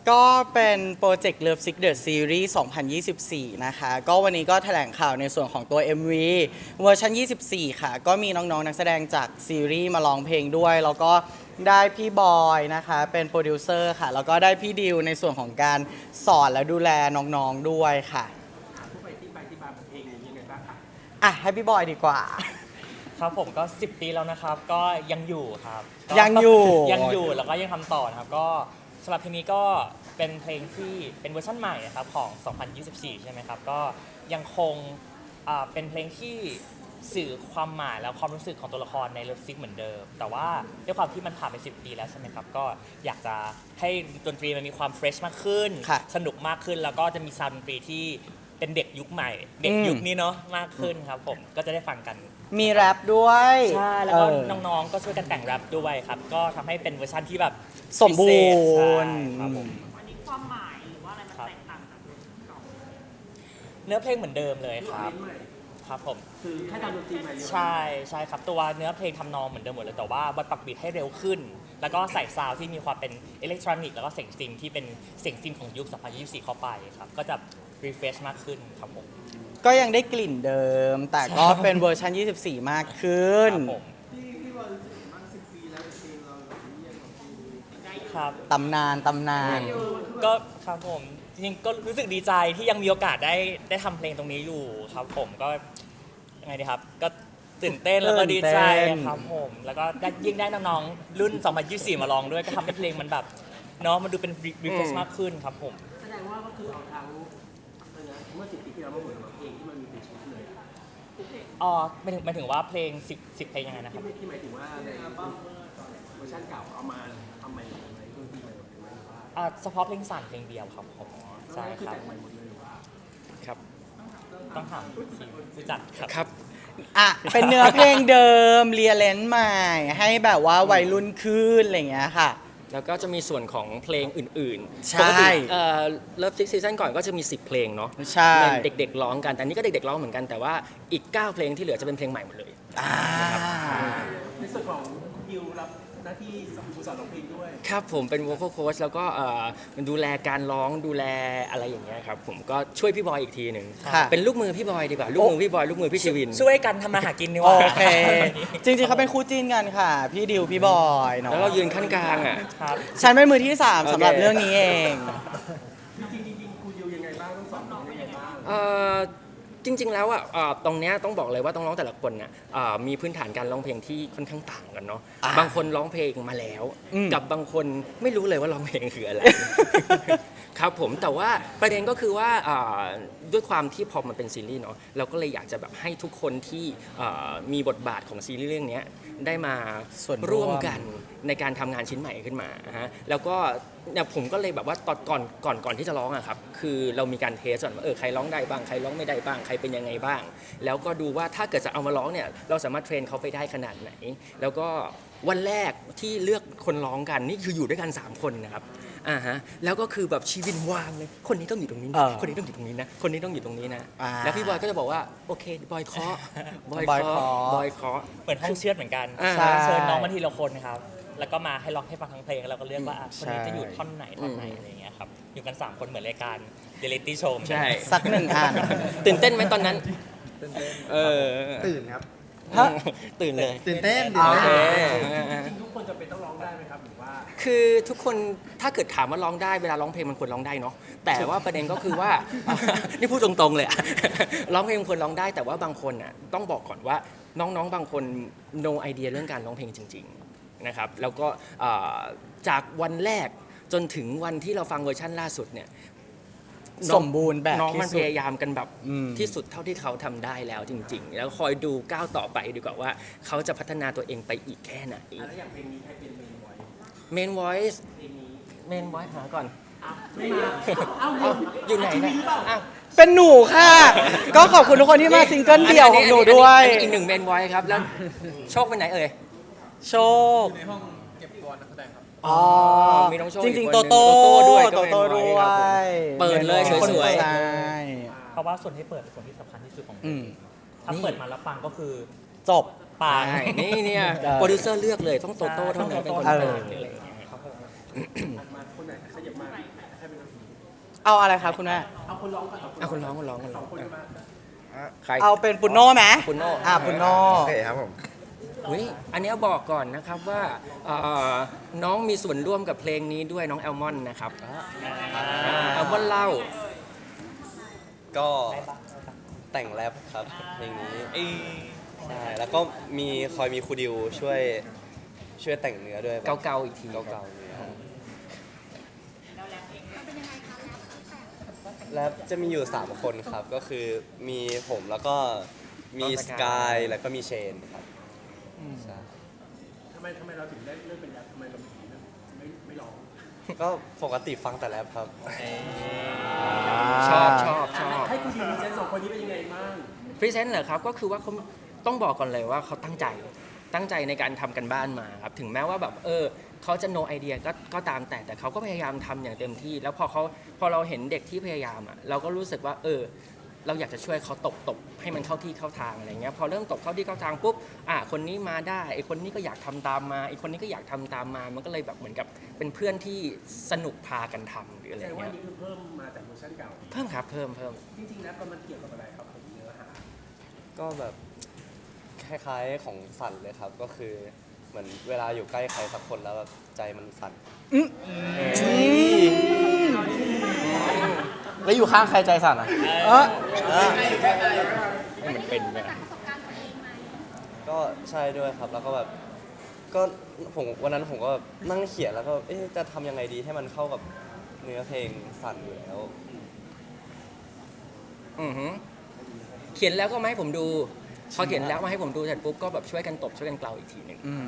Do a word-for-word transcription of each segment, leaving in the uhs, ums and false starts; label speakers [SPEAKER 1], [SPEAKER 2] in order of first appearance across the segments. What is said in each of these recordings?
[SPEAKER 1] ก็เป็นโปรเจกต์ Love Sick The Series สองพันยี่สิบสี่ นะคะ ก็วันนี้ก็แถลงข่าวในส่วนของตัว เอ็ม วี เวอร์ชันยี่สิบสี่ ค่ะ ก็มีน้องๆนักแสดงจากซีรีส์มาร้องเพลงด้วย แล้วก็ได้พี่บอยนะคะ เป็นโปรดิวเซอร์ค่ะ แล้วก็ได้พี่ดิวในส่วนของการสอนและดูแลน้องๆด้วยค่ะผู้ไปที่ไปที่มาของเพลงนี้ยังไงบ้างคะอ่ะให้พี่บอยดีกว่า
[SPEAKER 2] ครับผมก็สิบปีแล้วนะครับก็ยังอยู่ครับก็
[SPEAKER 1] ยังอยู่
[SPEAKER 2] ยังอยู่แล้วก็ยังทำต่อนะครับก็สำหรับเพลงนี้ก็เป็นเพลงที่เป็นเวอร์ชันใหม่นะครับของ สองพันยี่สิบสี่ ใช่ไหมครับก็ยังคงอ่าเป็นเพลงที่สื่อความหมายและความรู้สึกของตัวละครในเลิฟซิกเหมือนเดิมแต่ว่าด้วยความที่มันผ่านไปสิบปีแล้วใช่ไหมครับก็อยากจะให้ดนตรีมันมีความเฟรชมากขึ้น
[SPEAKER 1] ค่ะ
[SPEAKER 2] สนุกมากขึ้นแล้วก็จะมีซาวด์ดนตรีที่เป็นเด็กยุคใหม่ เด็กยุคนี้เนาะมากขึ้นครับผมก็จะได้ฟังกัน
[SPEAKER 1] มีแรปด้วย
[SPEAKER 2] ใช่แล้วก็
[SPEAKER 1] เออ
[SPEAKER 2] น้องๆ ก็ช่วยกันแต่งแรปด้วยครับ ก็ทำให้เป็นเวอร์ชันที่แบบ
[SPEAKER 1] สมบูรณ์
[SPEAKER 2] พิเศษใช่ครับผม
[SPEAKER 3] อันนี้ความหมายหรือว่าอะไรมันแตกต่างจากเวอร์ชันเก่า
[SPEAKER 2] เนื้อเพลงเหมือนเดิมเลยครับครับผม
[SPEAKER 3] คือแค่ดาวดนตรีใหม่
[SPEAKER 2] ใช่ใช่ครับตัวเนื้อเพลงทำนองเหมือนเดิมหมดเลยแต่ว่าบทปรับบีทให้เร็วขึ้น แล้วก็ใส่ซาวด์ที่มีความเป็นอิเล็กทรอนิกส์แล้วก็เสียงซินที่เป็นเสียงซินของยุค สองพันยี่สิบสี่ เข้าไปครับก็จะรีเฟรชมากขึ้นครับผม
[SPEAKER 1] ก็ยังได้กลิ่นเดิม แต่ก็เป็นเวอร์ชันยี่สิบสี่ มากขึ้น
[SPEAKER 2] ครับผมครับ
[SPEAKER 1] ตำนาน ตำนาน
[SPEAKER 2] ก็ครับผมจริงๆก็รู้สึกดีใจที่ยังมีโอกาสได้ได้ทำเพลงตรงนี้อยู่ครับผมก็ยังไงดีครับ ก็ตื่นเต้นแล้วก็ดีใจ
[SPEAKER 1] ตื่นเต้น
[SPEAKER 2] ครับผมแล้วก็ได้ยิ่งได้น้องๆรุ่น สองพันยี่สิบสี่ มาลองด้วยก็ทำให้เพลงมันแบบเนาะมันดูเป็นรีเฟรชมากขึ้นครับผม
[SPEAKER 3] แสดงว่าก็คือเอาทั้งเมื่อสิบปีที่แล้วมาเหมือนกับเพลงที่มันมีเป็นชิ้นเลย
[SPEAKER 2] อ๋อหมายถึงหมายถึงว่าเพลงสิบ สิบเพลงยังไงนะครับ
[SPEAKER 3] ที่หมายถึงว่าในอัลบั้มเวอร์ชันเก่าเอามาทำใหม่หมดเลยดนตรีใหม่หมดเลยหรือว่า
[SPEAKER 2] อ่าเฉพาะเพลงสั่นเพลงเดียวครับผมใช่
[SPEAKER 3] คือ
[SPEAKER 2] ครับ
[SPEAKER 3] แต่งใหม่หมดเลยหรือว่า
[SPEAKER 4] ครับ
[SPEAKER 2] ต้องถามทีมผู้จัดครับ
[SPEAKER 4] ครับ
[SPEAKER 1] อ่ะ เป็นเนื้อเพลงเดิม เรียเลนใหม่ ให้แบบว่าวัยรุ่นขึ้น อะไรอย่างเงี้ยค่ะ
[SPEAKER 4] แล้วก็จะมีส่วนของเพลงอื่นๆ
[SPEAKER 1] ใช่
[SPEAKER 4] ปกติเอ่อ Love Sick Season ก่อนก็จะมีสิบเพลงเนาะ
[SPEAKER 1] ใช่
[SPEAKER 4] เป็นเด็กๆร้องกัน แต่อันนี้ก็เด็กๆร้องเหมือนกัน แต่ว่าอีกเก้าเพลงที่เหลือจะเป็นเพลงใหม่หมดเลย
[SPEAKER 1] อ่า
[SPEAKER 3] ในส่วนของคุณดิวรับหน้าที่สอนร้องเพลงด้วย
[SPEAKER 4] ครับผมเป็น vocal coach แล้วก็เอ่อดูแลการร้องดูแลอะไรอย่างเงี้ยครับผมก็ช่วยพี่บอยอีกทีหนึ่ง
[SPEAKER 1] ค่ะ
[SPEAKER 4] เป็นลูกมือพี่บอยดีกว่า ลูกมือพี่บอย ลูกมือพี่ชีวิน
[SPEAKER 2] ช่วยกันทำมาหากินนี่
[SPEAKER 1] โอ
[SPEAKER 2] ว่า
[SPEAKER 1] เค จริงๆเขาเป็นคู่จิ้นกันค่ะ พี่ดิว พี่บอยเนาะ
[SPEAKER 4] แล้วเรายืนขั้นกลางอ่ะ
[SPEAKER 2] ครับ
[SPEAKER 1] ฉันเป็นมือที่สาม
[SPEAKER 4] โอเค
[SPEAKER 1] สำหรับเรื่องนี้เอง
[SPEAKER 3] จริงๆจริงๆคุณดิวยังไงบ้างต้องสอนน้องยังไงบ้าง
[SPEAKER 4] เอ่อจริง ๆ แล้วอ่ะเอ่อตรงเนี้ยต้องบอกเลยว่าต้องร้องแต่ละคนน่ะเอ่อมีพื้นฐานการร้องเพลงที่ค่อนข้างต่างกันเนาะ
[SPEAKER 1] อ่า
[SPEAKER 4] บางคนร้องเพลงมาแล้ว
[SPEAKER 1] อืม
[SPEAKER 4] กับบางคนไม่รู้เลยว่าร้องเพลงคืออะไร ครับผมแต่ว่าประเด็นก็คือว่าเอ่อด้วยความที่พอมันเป็นซีรีส์เนาะเราก็เลยอยากจะแบบให้ทุกคนที่เอ่อมีบทบาทของซีรีส์เรื่องเนี้ยได้มา
[SPEAKER 1] ส่วนร่
[SPEAKER 4] ร่
[SPEAKER 1] ว
[SPEAKER 4] ว
[SPEAKER 1] ม
[SPEAKER 4] มกันในการทำงานชิ้นใหม่ขึ้นมาฮะแล้วก็เนี่ยผมก็เลยแบบว่าตอนก่อนก่อนก่อนที่จะร้องอะครับคือเรามีการเทสก่อนว่าเออใครร้องได้บ้างใครร้องไม่ได้บ้างใครเป็นยังไงบ้าง แล้วก็ดูว่าถ้าเกิดจะเอามาร้องเนี่ยเราสามารถเทรนเขาไปได้ขนาดไหน แล้วก็วันแรกที่เลือกคนร้องกันนี่คืออยู่ด้วยกันสามคนนะครับอ่าฮะแล้วก็คือแบบชีวินวางเลยคนนี้ต้องอยู่ตรงนี้
[SPEAKER 1] เอ
[SPEAKER 4] นะ
[SPEAKER 1] อ
[SPEAKER 4] คนนี้ต้องอยู่ตรงนี้นะคนนี้ต้องอยู่ตรงนี้นะ
[SPEAKER 1] อ่า
[SPEAKER 4] แล้วพี่บอยก็จะบอกว่าโอเคบอยเคาะบอย
[SPEAKER 1] บอย
[SPEAKER 4] เคาะ
[SPEAKER 1] เคาะ
[SPEAKER 4] บอยเคาะ
[SPEAKER 2] เหมือนห้องเชือดเหมือนกัน
[SPEAKER 4] อ่า
[SPEAKER 1] ใช่
[SPEAKER 2] เชิญน้องมาทีละคนนะครับ แล้วก็มาให้ร้องให้ฟังทั้งเพลงแล้วก็เลือกว่าอ่ะคนนี้
[SPEAKER 1] ใช่
[SPEAKER 2] จะอยู่ท่อนไหนท่อนไหนอะไรอย่างเงี้ยครับ อยู่กันสามคนเหมือนรายการเดลิตี้โชว์
[SPEAKER 4] ใช่
[SPEAKER 1] สักหนึ่งอัน
[SPEAKER 4] ตื่นเต้นไหมตอนนั้นเออ
[SPEAKER 5] ตื่นครับ
[SPEAKER 1] ฮะ
[SPEAKER 4] ตื่นเลย
[SPEAKER 5] ตื่นเต้น
[SPEAKER 1] อ่า
[SPEAKER 4] โอเค
[SPEAKER 3] จริงๆทุกคนจะเป็นต้องร้องได้ไหมครับหรือว่า
[SPEAKER 4] คือทุกคนถ้าเกิดถามว่าร้องได้เวลาร้องเพลงมันควรร้องได้เนาะแต่ว่าประเด็นก็คือว่า นี่พูดตรงๆเลยอะ ร้องเพลงมันควรร้องได้แต่ว่าบางคนอ่ะต้องบอกก่อนว่าน้องๆบางคน no idea เรื่องการร้องเพลงจริงๆนะครับแล้วก็เอ่อจากวันแรกจนถึงวันที่เราฟังเวอร์ชั่นล่าสุดเนี่ยน้อง
[SPEAKER 1] สมบูรณ์แบบ
[SPEAKER 4] น้อง
[SPEAKER 1] ที่
[SPEAKER 4] มัน
[SPEAKER 1] สุ
[SPEAKER 4] พ
[SPEAKER 1] ด
[SPEAKER 4] ยายามกันแบบ
[SPEAKER 1] อืม
[SPEAKER 4] ที่สุดเท่าที่เขาทำได้แล้วจริง ๆ แล้วคอยดูก้าวต่อไปดีกว่าว่าเขาจะพัฒนาตัวเองไปอีกแค่ไหน
[SPEAKER 3] แล้วอย่างเพลงนี้ใครเป็นเมนไว้
[SPEAKER 4] Main Voice
[SPEAKER 3] เพลงนี้
[SPEAKER 4] Main Voice หาก่อน
[SPEAKER 3] ไม่มาเอ้า
[SPEAKER 4] เอ้าอยู่ไหนนะอ้าว
[SPEAKER 1] เป็นหนูค่ะ ก็ขอบคุณทุกคนที่มาซิงเกิลเดี่ยวของหนูด้วย
[SPEAKER 4] อันนี้อีกหนึ่ง Main Voice ครับแล้วโชคไปไหนเอ่ย
[SPEAKER 1] โชค
[SPEAKER 5] ในห้องเก็บตัวนักแสดงครับ
[SPEAKER 1] อ๋อ
[SPEAKER 4] มีน้องโชค
[SPEAKER 1] จ
[SPEAKER 4] อี
[SPEAKER 1] ริง
[SPEAKER 4] ก
[SPEAKER 1] ๆ
[SPEAKER 4] ค
[SPEAKER 1] โต
[SPEAKER 4] นหนึ่ง
[SPEAKER 1] โต้
[SPEAKER 4] โตโต้ด้วยก็
[SPEAKER 1] โตโต้
[SPEAKER 4] เป็น
[SPEAKER 1] ด้
[SPEAKER 4] ไว้
[SPEAKER 1] ว
[SPEAKER 4] ครับผม
[SPEAKER 1] ย
[SPEAKER 4] เปิดเลยสวยๆ
[SPEAKER 1] ใช่
[SPEAKER 2] เพราะว่าส่วนที่เปิดเป็นส่วนที่สำคัญที่สุดของเพล
[SPEAKER 1] อื
[SPEAKER 2] ง
[SPEAKER 1] ม
[SPEAKER 2] ถ้าเปิดมาแล้วปังก็คือ
[SPEAKER 1] จบ
[SPEAKER 2] ปัง
[SPEAKER 4] ใช่นี่เนี่ย
[SPEAKER 1] เออ
[SPEAKER 4] โปรดิวเซอร์เลือกเลยต้องโตโต้เท่านั้นเป็นคน
[SPEAKER 1] เออ
[SPEAKER 4] เปิดอะไรอย่างเงี้ย
[SPEAKER 2] ครับผม
[SPEAKER 3] มาคนไหนขยับมาให้
[SPEAKER 1] เอาอะไรครับคุณแม่
[SPEAKER 3] เอาคนร้องก่อน
[SPEAKER 4] อ่ะคุณร้องคุณร้องคุณ
[SPEAKER 3] ส
[SPEAKER 4] ร้
[SPEAKER 3] อ
[SPEAKER 4] อง ง
[SPEAKER 3] คนมา
[SPEAKER 4] ใคร
[SPEAKER 1] เอาเป็นปุนโน่ไหม
[SPEAKER 4] ปุณโน่
[SPEAKER 1] อ่าปุนโน่
[SPEAKER 5] โอเคครับผม
[SPEAKER 4] อุ๊ยอันเนี้ยบอกก่อนนะครับว่าเอ่อน้องมีส่วนร่วมกับเพลงนี้ด้วยน้องแอลมอนนะครับแอลมอนเล่า
[SPEAKER 6] ก็แต่งแรปครับเพลงนี้ใช่แล้วก็มีคอยมีครูดิวช่วยช่วยแต่งเนื้อด้วยแบบ
[SPEAKER 4] เกาๆอีกที
[SPEAKER 6] เก่าๆเนื้อแรปจะมีอยู่ สาม คนครับ ก็คือมีผมแล้วก็มีสกายแล้วก็มีเชนครับใช่
[SPEAKER 3] ทำไมทำไมเราถึงได้เลือกเป็นแรปทำไมเราถึงไม่ไม่ร้อง
[SPEAKER 6] ก็ปกติฟังแต่แรปครับ
[SPEAKER 4] ชอบชอบชอบ
[SPEAKER 3] ให้คุณดีมีเซนสองคนนี้เป็นยังไงบ้าง
[SPEAKER 4] พรีเซนต์เหรอครับก็คือว่าเขาต้องบอกก่อนเลยว่าเขาตั้งใจตั้งใจในการทำกันบ้านมาครับถึงแม้ว่าแบบเออเขาจะ no idea ก็ก็ตามแต่แต่เขาก็พยายามทำอย่างเต็มที่ แล้วพอเขาพอเราเห็นเด็กที่พยายามอ่ะเราก็รู้สึกว่าเออเราอยากจะช่วยเขาตบตบให้มันเข้าที่เข้าทางอะไรเงี้ยพอเริ่มตบเข้าที่เข้าทางปุ๊บอ่ะคนนี้มาได้ไอคนนี้ก็อยากทำตามมาไอคนนี้ก็อยากทำตามมามันก็เลยแบบเหมือนกับเป็นเพื่อนที่สนุกพากันทำหรืออะไร
[SPEAKER 3] แสดงว่า
[SPEAKER 4] เงี้ย
[SPEAKER 3] นี่คือเพิ่มมาจากเวอร์ชันเก่า
[SPEAKER 4] เพิ่มครับเพิ่มเพิ่ม
[SPEAKER 3] จริงๆแล้วมันเกี่ยวกับอะไรครับผมเนื้อหา
[SPEAKER 6] ก็แบบคล้ายๆของสั่นเลยครับ ก็คือเหมือนเวลาอยู่ใกล้ใครสักคนแล้วแบบใจมันสั่น
[SPEAKER 1] แล้วอยู่ข้างใครใจสั่นอ่ะเออ
[SPEAKER 4] ให้มันเป็นไป
[SPEAKER 6] ก็ใช่ด้วยครับ แล้วก็แบบก็ผมวันนั้นผมก็แบบนั่งเขียนแล้วก็เอ๊ะจะทำยังไงดีให้มันเข้ากับเนื้อเพลงสั่นอยู่แล้ว
[SPEAKER 4] อือหือเขียนแล้วก็มาให้ผมดู พอเขียนแล้วมาให้ผมดูเสร็จปุ๊บก็แบบช่วยกันตบช่วยกันเกลาอีกทีหนึ่ง
[SPEAKER 1] อืม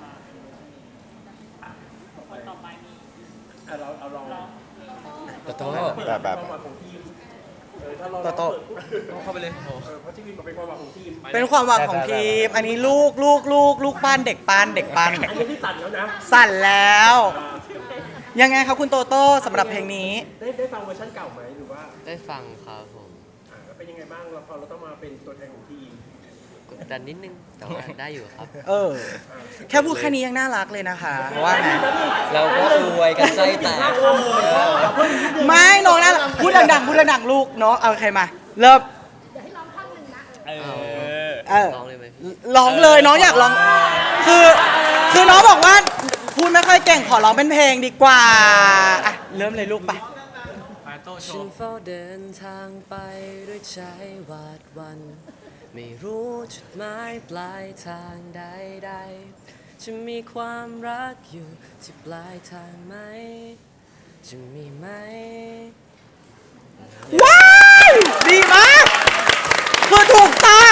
[SPEAKER 3] อ่ะเราเอาลอง
[SPEAKER 4] โตโต้
[SPEAKER 5] แบบแบบ
[SPEAKER 3] ความหวังของทีมเออถ้าเรา
[SPEAKER 1] โตโต้
[SPEAKER 3] เข้าไปเลยเออเพราะที่วินบอกเป็นความหวังของทีม
[SPEAKER 1] เป็นความหวังของทีม อันนี้ลูกลูกลูกลูกปั้นเด็กปั้นเด็กปั้น
[SPEAKER 3] อันนี้ที่ตัดแล้วนะ
[SPEAKER 1] สั่นแล้ว ยังไงครับคุณโตโต้สำหรับเพลงนี้
[SPEAKER 3] ได้ได้ฟังเวอร์ชันเก่าไหมหรือว่า
[SPEAKER 7] ได้ฟังครับผม
[SPEAKER 3] อ่าแล้วเป็นยังไงบ้างเราพอเราต้องมาเป็นตัวแทนของทีม
[SPEAKER 7] กดดันนิดนึง แต่ว่าได้อยู่ครับ
[SPEAKER 1] เออ แค่พูดแค่นี้ยังน่ารักเลยนะคะว่าไง
[SPEAKER 7] เราก็อวยกันไส้แตก
[SPEAKER 1] ไม่น้องน่ารักพูดดังๆพูดดังๆลูกเนาะเอาใครมา เริ่มเออ
[SPEAKER 7] ร้องเลยไหม
[SPEAKER 1] ร้องเลยน้องอยากร้อง คือ คือน้องบอกว่า พูดไม่ค่อยเก่งขอร้องเป็นเพลงดีกว่าอ่ะเริ่มเลยลูกไป
[SPEAKER 7] ฉันเฝ้าเดินทางไปด้วยใจหวาดหวัน ไม่รู้จุดหมายปลายทางใดๆจะมีความรักอยู่ที่ปลายทางไหม จะมีไหม
[SPEAKER 1] ว้าวดีมากคือถูกต้อง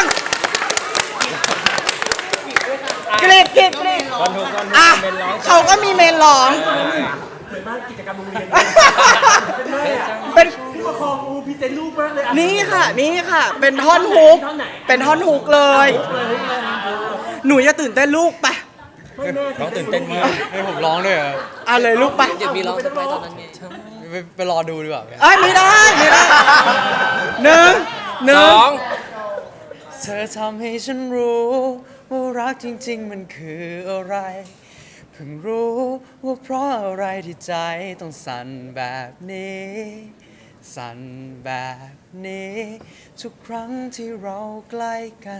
[SPEAKER 1] กรีดกรีดกรีดอ่ะเขาก็มีเมนร้อง
[SPEAKER 3] เหมือนบ้านกิจกรรมโรงเรียนเป็นแม่อะ
[SPEAKER 1] เป็น
[SPEAKER 3] ผู้ปกครองอูพรีเซนต์ลูกมากเลยอ่ะ
[SPEAKER 1] นี่ค่ะ นี่ค่ะ เป็นท่อนฮุก เป็นท่อนฮุกเลย
[SPEAKER 3] เลยเลยอ่ะเออ
[SPEAKER 1] หนูอย่าตื่นเต้นลูกไป
[SPEAKER 3] ไม่แม่
[SPEAKER 4] น้องตื่นเต้นมาก
[SPEAKER 8] ให้ผมร้องด้วยเหรอ
[SPEAKER 1] เอาเลยลูกไป
[SPEAKER 7] เดี๋ยวมีร้องสไปตอนนั้นไง
[SPEAKER 8] ไปไปรอดูดีกว่า
[SPEAKER 1] เอ้ยไม่ได้ไม่ได้หนึ่งห
[SPEAKER 4] ส
[SPEAKER 1] นึ่ง
[SPEAKER 4] อง
[SPEAKER 8] เธอทำให้ฉันรู้ว่ารักจริงๆมันคืออะไร เพิ่งรู้ว่าเพราะอะไรที่ใจต้องสั่นแบบนี้ สั่นแบบนี้ ทุกครั้งที่เราใกล้กัน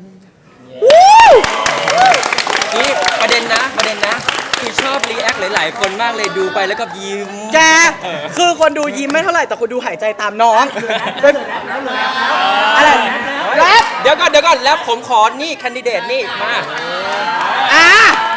[SPEAKER 4] นี่ประเด็นนะประเด็นนะคือชอบรีแอคหลายๆ คนมากเลยดูไปแล้วก็ยิ้ม
[SPEAKER 1] แก คือคนดูยิ้มไม่เท่าไหร่ แต่คนดูหายใจตามน้องเป็นอะไรแรป
[SPEAKER 4] เดี๋ยวก่อนเดี๋ยวก่อนแล้วผมขอนี่แคนดิเดตนี่มา
[SPEAKER 1] อ่ะ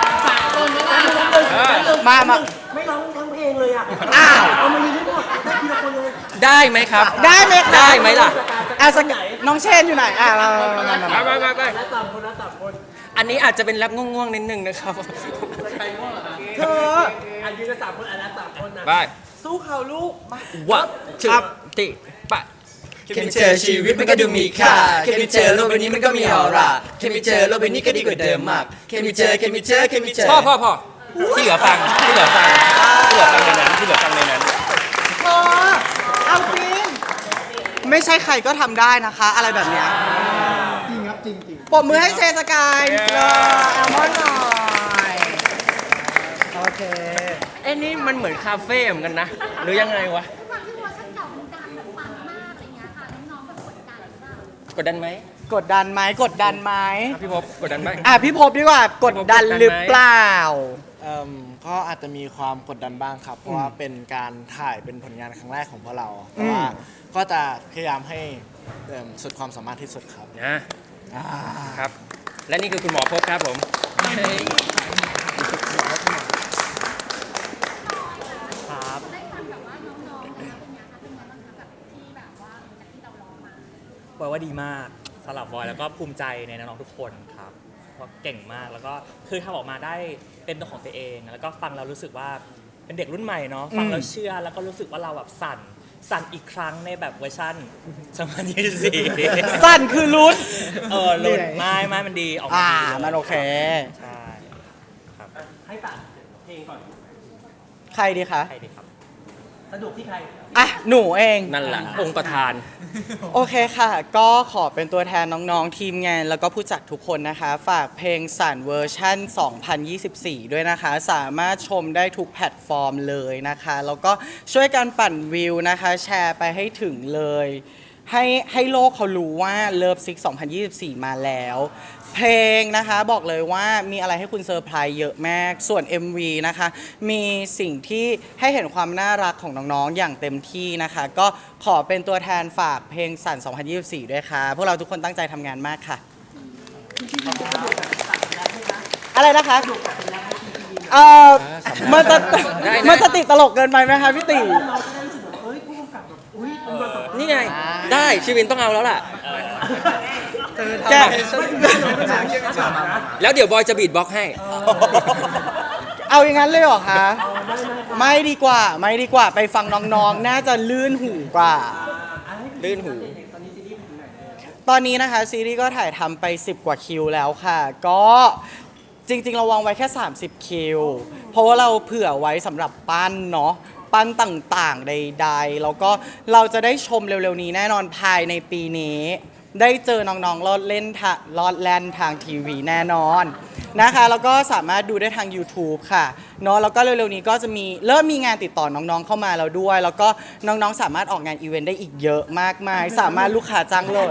[SPEAKER 1] มามา
[SPEAKER 3] ไม่ร้องทั้งเพลงเลยอ่ะ
[SPEAKER 1] อ้าว
[SPEAKER 3] เอามายืนทั้งหมดได้ทีละคนเลย
[SPEAKER 4] ได้ไหมครับ
[SPEAKER 1] ได้ไหมคะ
[SPEAKER 4] ได้ไหมล่ะ
[SPEAKER 1] อ่ะสกน้องเชนอยู่ไหนอ่ะมามามามา
[SPEAKER 4] มามามา
[SPEAKER 3] แล้วสามคนแล้วสามคน
[SPEAKER 4] อันนี้อาจจะเป็นแรปง่วงๆนิดนึงนะครับ
[SPEAKER 1] เธอ
[SPEAKER 3] อันยืนกันสามคนอันนั้นสามคนนะ
[SPEAKER 4] ไป
[SPEAKER 1] สู้เขาลูก มา
[SPEAKER 4] วัดจุดติปะ
[SPEAKER 8] แค่มีเจอชีวิตมันก็ดูมีค่า แค่มีเจอโลกใบนี้มันก็มีออร่า แค่มีเจอโลกใบนี้ก็ดีกว่าเดิมมาก แค่มีเจอแค่มีเจอแค่มีเจอ
[SPEAKER 4] พ่อพ่อพ่อที่เหลือฟังที่เหลือฟังที่เหลือฟังในนั้นที่เหลือฟังในนั้น
[SPEAKER 1] เธอเอาจริง ไม่ใช่ใครก็ทำได้นะคะ อะไรแบบเนี้ยจริงครับจริงจริงปรบมือให้เชสกายเลยแอลมอนหน่อย โอเค
[SPEAKER 4] เอ้นี่มันเหมือนคาเฟ่เหมือนกันนะ หรือยังไงวะ
[SPEAKER 9] ความที่เวอร์ชันเก่ามันดัง
[SPEAKER 4] กดดันไหม
[SPEAKER 1] กดดันไหมกดดันไหม
[SPEAKER 4] อ่ะพี่พบกดดันไหม
[SPEAKER 1] อ่ะพี่พบดีกว่ากดดันหรือเปล่า
[SPEAKER 9] เอิ่มก็อาจจะมีความกดดันบ้างครับ เพราะว่าเป็นการถ่ายเป็นผลงานครั้งแรกของพวกเรา แต่ว่า
[SPEAKER 1] อืม
[SPEAKER 9] ก็จะพยายามให้เอิ่มสุดความสามารถที่สุดครับ
[SPEAKER 4] นะครับ และนี่คือคุณหมอพบครับผม
[SPEAKER 2] ครับ
[SPEAKER 10] ได้ฟังแบบว่าน้องๆเป็นไงคะเป็นไงบ้างคะแบบที่แบบว่าจากที่เราร้องมา
[SPEAKER 2] บอกว่าดีมากสำหรับบอยแล้วก็ภูมิใจในน้องๆทุกคนครับเพราะเก่งมากแล้วก็คือทำออกมาได้เป็นตัวของตัวเอง แล้วก็ฟังเรารู้สึกว่าเป็นเด็กรุ่นใหม่เนาะฟังแล้วเชื่อแล้วก็รู้สึกว่าเราแบบสั่นสั่นอีกครั้งในแบบเวอร์ชันสองพันยี่สิบสี่
[SPEAKER 1] สั้นคือลุ้น
[SPEAKER 2] เออลุ้นไม่ไม่มันดีออกมา
[SPEAKER 1] อ่า
[SPEAKER 2] ดีเลย
[SPEAKER 1] มันโอเค
[SPEAKER 2] ใช่ครับ
[SPEAKER 3] ให้ฝากเพลงก่อน
[SPEAKER 1] ใครดีคะ
[SPEAKER 2] ใครดีครับ
[SPEAKER 3] สนุกที่ใคร
[SPEAKER 1] อ่ะ หนูเอง
[SPEAKER 4] นั่นแหละองค์ประธาน
[SPEAKER 1] โอเคค่ะ ก็ขอเป็นตัวแทนน้องๆ ทีมงาน แล้วก็ผู้จัดทุกคนนะคะ ฝากเพลงสั่นเวอร์ชั่น สองพันยี่สิบสี่ ด้วยนะคะ สามารถชมได้ทุกแพลตฟอร์มเลยนะคะ แล้วก็ช่วยกันปั่นวิวนะคะ แชร์ไปให้ถึงเลย ให้ให้โลกเขารู้ว่า Love Sick สองพันยี่สิบสี่ มาแล้ว เพลงนะคะบอกเลยว่ามีอะไรให้คุณเซอร์ไพรส์เยอะมาก ส่วน เอ็ม วี นะคะ มีสิ่งที่ให้เห็นความน่ารักของน้องๆ อย่างเต็มที่นะคะ ก็ขอเป็นตัวแทนฝากเพลงสั่น สองพันยี่สิบสี่ ด้วยค่ะ พวกเราทุกคนตั้งใจทำงานมากค่ะ อะไรนะคะ เออมันจะ
[SPEAKER 4] ได้นะ
[SPEAKER 1] มันจะติดตลกเกินไปไหมคะพี่ติ
[SPEAKER 3] เราจะได้รู้สึกว่าเอ้ยผู้กำกับแบบอุ้ยเป็นแบบ
[SPEAKER 4] นี่ไง ได้ชีวินต้องเอาแล้วล่ะ
[SPEAKER 1] แก
[SPEAKER 4] แล้วเดี๋ยวบอยจะบีทบ็อกซ์ให้
[SPEAKER 1] เอาอย่างนั้นเลยเหรอคะ ไม่ดีกว่า ไม่ดีกว่าไปฟังน้องๆ น่าจะลื่นหูกว่า
[SPEAKER 4] ลื่นหู
[SPEAKER 3] ตอนนี้ซีรีส์ไปถึงไหนแล้ว
[SPEAKER 1] ตอนนี้นะคะซีรีส์ก็ถ่ายทำไปสิบกว่าคิวแล้วค่ะ ก็จริงๆเราวางไว้แค่ สามสิบ คิว เพราะว่าเราเผื่อไว้สำหรับปั้นเนาะปั้นต่างๆใดๆแล้วก็เราจะได้ชมเร็วๆนี้แน่นอนภายในปีนี้ ได้เจอน้องๆลอดเล่นทะลอดแล่นทางทีวีแน่นอนนะคะแล้วก็สามารถดูได้ทาง YouTube ค่ะเนาะแล้วก็เร็วๆนี้ก็จะมีเริ่มมีงานติดต่อน้องๆเข้ามาแล้วด้วย แล้วก็น้องๆสามารถออกงานอีเวนต์ได้อีกเยอะมากมาย สามารถลูกค้าจ้างเลย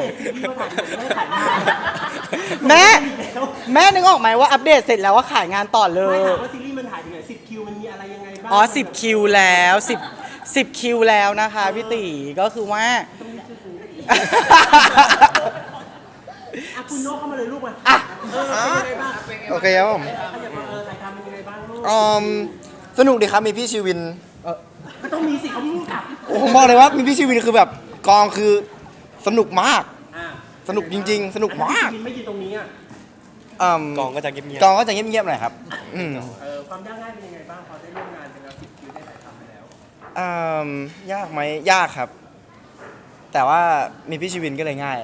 [SPEAKER 1] แม่แม่นึกออกไหมว่าอัปเดตเสร็จแล้วว่าขายงานต่อเล
[SPEAKER 3] ไม่
[SPEAKER 1] ย
[SPEAKER 3] ถามว่าซีรีส์มันถ่ายถึงไหนสิบคิวมันมีอะไรยังไงบ้าง
[SPEAKER 1] อ๋อสิบคิวแล้วสิบ สิบคิวแล้วนะคะพี่ตีก็คือว่า
[SPEAKER 3] อ่ะคุณโน้เข้ามาเลยลูกมา
[SPEAKER 1] อ่ะ
[SPEAKER 3] เออเป็นยังไงบ้าง
[SPEAKER 9] โอเคครับผม
[SPEAKER 3] เขาอยากมาเออถ่ายทำเป็นยังไงบ้างลูก
[SPEAKER 9] อืมสนุกดีครับ มีพี่ชีวิน
[SPEAKER 3] ก็ต้องมีสิเขาพูดกับ
[SPEAKER 9] ผมบอกเลยว่ามีพี่ชีวินคือแบบกองคือสนุกมาก
[SPEAKER 3] อ่า
[SPEAKER 9] สนุกจริง ๆ สนุกมาก
[SPEAKER 3] ไม่ยืนตรงนี้อ่ะ
[SPEAKER 9] อืม
[SPEAKER 6] กองก็จะเงียบ
[SPEAKER 9] กองก็จะเงียบๆหน่อยครับอืม
[SPEAKER 3] เออความยากง่ายเป็นยังไงบ้างพอได้ร่วมงานกันแล้วสิบคิวได้ถ่ายทำไปแล้ว
[SPEAKER 9] อืมยากไหมยากครับ แต่ว่ามีพี่ชีวินก็เลยง่าย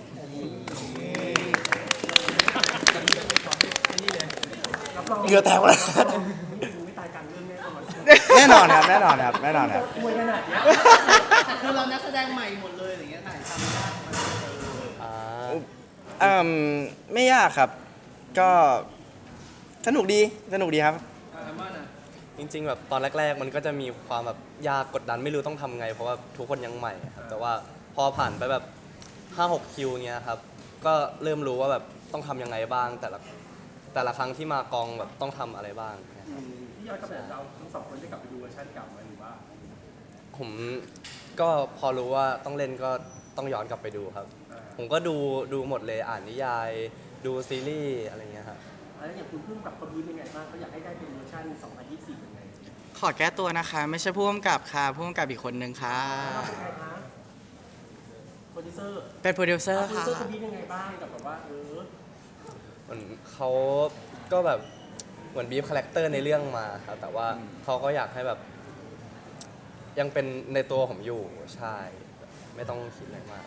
[SPEAKER 3] รับรอง
[SPEAKER 9] เหงื่อแตกหมดเลย
[SPEAKER 3] ไม่ตายกลางเรื่องแน่นอน
[SPEAKER 9] แน่นอนครับแน่นอนครับแน่นอนครับ
[SPEAKER 3] มวยขนาดเนี้ย
[SPEAKER 5] คือเรานักแสดงใหม่หมดเลยอย่างเงี้ยถ่ายทำยากไหม
[SPEAKER 6] ๆอ่า
[SPEAKER 9] อืมไม่ยากครับ ก็สนุกดีสนุกดีครับ
[SPEAKER 6] จริงๆแบบตอนแรก ๆ มันก็จะมีความแบบยากกดดันไม่รู้ต้องทำไง เพราะว่าทุกคนยังใหม่ครับแต่ว่าพอผ่านไปแบบห้าหกคิวเงี้ยครับก็เริ่มรู้ว่าแบบต้องทำยังไงบ้าง แต่ละแต่ละครั้งที่มากองแบบต้องทำอะไรบ้างเนี่ยครับ
[SPEAKER 3] พี่ย้อนกลับไปเราทั้งสองคนได้กลับไปดูเวอร์ชันเก่าไหมหรือว่า
[SPEAKER 6] ผมก็พอรู้ว่าต้องเล่นก็ต้องย้อนกลับไปดูครับ ผมก็ดูดูหมดเลยอ่านนิยาย ดูซีรีส์อะไรเงี้ยครับ
[SPEAKER 3] แล้วอย่างคุณเพิ่งกับคนนี้เป็นไงบ้างเขาอยากให้ได้เป็นเวอร์ชันสองพันยี่สิบสี่ยังไง
[SPEAKER 1] ขอแก้ตัวนะคะ ไม่ใช่ผู้กำกับค่ะผู้กำกับอีกคนนึงค่ะ
[SPEAKER 3] เราเป็นใครคะโปรดิวเซอร์
[SPEAKER 1] เป็นโปรดิวเซอร์
[SPEAKER 3] โปรดิว
[SPEAKER 1] ค่ะ
[SPEAKER 3] เซอร์คนนี้เป็นไงบ้างกับแบบว่าเออ
[SPEAKER 6] เหมือนเขาก็แบบเหมือนบีฟคาแรคเตอร์ในเรื่องมาครับแต่ว่าเขาก็อยากให้แบบ ยังเป็นในตัวผมอยู่ใช่ ไม่ต้องคิดอะไรมาก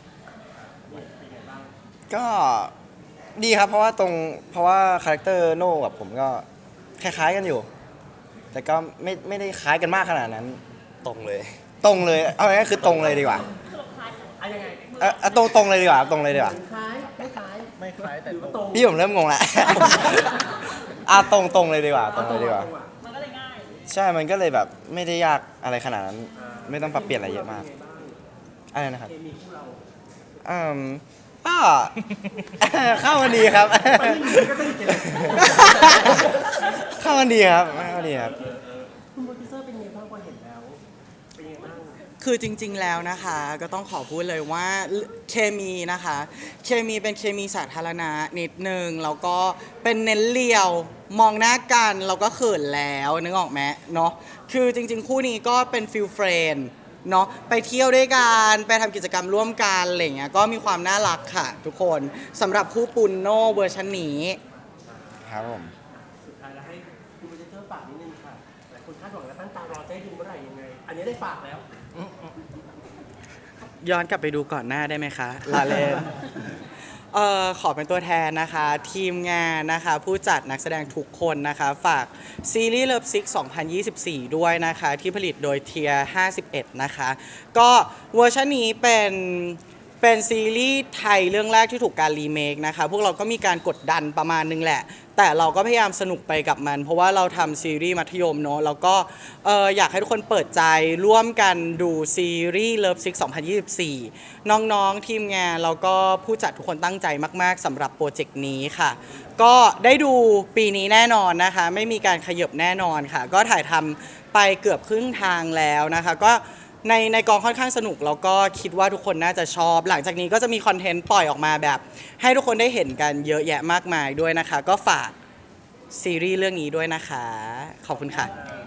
[SPEAKER 9] ก็ดีครับ เพราะว่าตรงเพราะว่าคาแรคเตอร์โน่กับผมก็คล้ายๆกันอยู่ แต่ก็ไม่ไม่ได้คล้ายกันมากขนาดนั้น
[SPEAKER 6] ตรงเลย
[SPEAKER 9] ตรงเลยเอาง่ายๆคือตรงเลยดีกว่า
[SPEAKER 3] อะยังไง
[SPEAKER 9] เอ่อเอาตรงตรงเลยดีกว่าตรงเลยดีกว่า
[SPEAKER 3] คล้ายไม่คล้าย
[SPEAKER 5] ไม่คล้ายแต่
[SPEAKER 3] หรือว่าตรง
[SPEAKER 9] พี่ผมเริ่มงงแล้ว อ่ะตรงตรงเลยดีกว่า ตรงเลยดีกว่า
[SPEAKER 3] มันก็เลยง่าย
[SPEAKER 9] ใช่มันก็เลยแบบไม่ได้ยากอะไรขนาดนั้น ไม่ต้องปรับเปลี่ยนอะไรเยอะมากอะไรนะครับ
[SPEAKER 3] เคมีคู่เรา
[SPEAKER 9] อืมก็ เข้ากันดีครับ
[SPEAKER 3] ก็สนิทกันเลย
[SPEAKER 9] เข้ากันดีครับเข้ากันดีครับ
[SPEAKER 3] คุณโปรดิวเซอร์เป็นไงบ้างพอเห็นแล้ว เป็นไงบ้าง
[SPEAKER 1] คือจริง ๆ แล้วนะคะก็ต้องขอพูดเลยว่าเคมีนะคะ เคมีเป็นเคมีสาธารณะนิดนึงแล้วก็เป็นเน้นเลียวมองหน้ากันเราก็เขินแล้วนึกออกไหมเนาะคือจริง ๆ คู่นี้ก็เป็นฟิลเฟรนด์เนาะไปเที่ยวด้วยกันไปทำกิจกรรมร่วมกันอะไรอย่างเงี้ยก็มีความน่ารักค่ะทุกคนสำหรับคู่ปุนโนเวอร์ชันนี้
[SPEAKER 9] ครับผม
[SPEAKER 3] สุดท้ายแล้วให้คุณโปรดิวเซอร์ฝากนิดนึงค่ะหลายคนคาดหวังและตั้งตารอจะให้ดูเมื่อไหร่ยังไง อันนี้ได้ฝากแล้ว
[SPEAKER 1] ย้อนกลับไปดูก่อนหน้าได้ไหมคะลาเลน เอ่อขอเป็นตัวแทนนะคะ ทีมงานนะคะ ผู้จัดนักแสดงทุกคนนะคะ ฝากซีรีส์ Love Sick สองพันยี่สิบสี่ ด้วยนะคะ ที่ผลิตโดยเทียห้าสิบเอ็ดนะคะ ก็เวอร์ชันนี้เป็นเป็นซีรีส์ไทยเรื่องแรกที่ถูกการรีเมคนะคะ พวกเราก็มีการกดดันประมาณนึงแหละ แต่เราก็พยายามสนุกไปกับมัน เพราะว่าเราทำซีรีส์มัธยมเนาะแล้วก็เอ่ออยากให้ทุกคนเปิดใจร่วมกันดูซีรีส์ Love Sick สองพันยี่สิบสี่ น้องๆ ทีมงานแล้วก็ผู้จัดทุกคนตั้งใจมากๆสำหรับโปรเจกต์นี้ค่ะ ก็ได้ดูปีนี้แน่นอนนะคะ ไม่มีการขยบแน่นอนค่ะ ก็ถ่ายทำไปเกือบครึ่งทางแล้วนะคะก็ในในกองค่อนข้างสนุกแล้วก็คิดว่าทุกคนน่าจะชอบ หลังจากนี้ก็จะมีคอนเทนต์ปล่อยออกมาแบบ ให้ทุกคนได้เห็นกันเยอะแยะมากมายด้วยนะคะ ก็ฝากซีรีส์เรื่องนี้ด้วยนะคะ ขอบคุณค่ะ